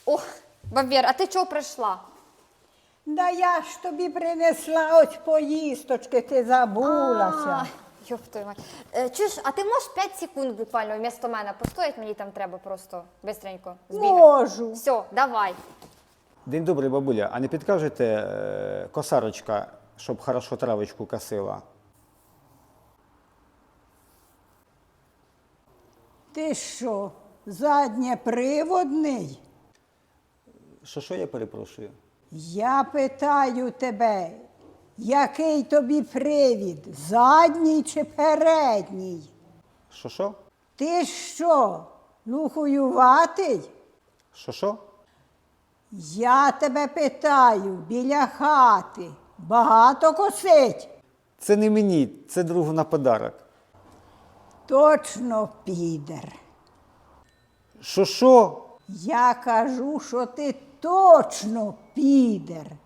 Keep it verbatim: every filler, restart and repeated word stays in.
О, Бабір, а ти чого прийшла? Да я ж тобі принесла ось поїсточки, ти забулася. А, Йоп твою мать. Е, Чуєш, а ти можеш п'ять секунд буквально вмісто мене постоять? Мені там треба просто бистренько збігати. Можу. Все, давай. День добрий, бабуля. А не підкажете е, косарочка, щоб хорошо травочку косила? Ти що, заднєприводний? Що, що я перепрошую? Я питаю тебе, який тобі привід, задній чи передній? Що, що? Ти що, лухуюватий? Що, що? Я тебе питаю, біля хати багато косить? Це не мені, це другу на подарок. Точно підер. Що, що? Я кажу, що ти точно підер.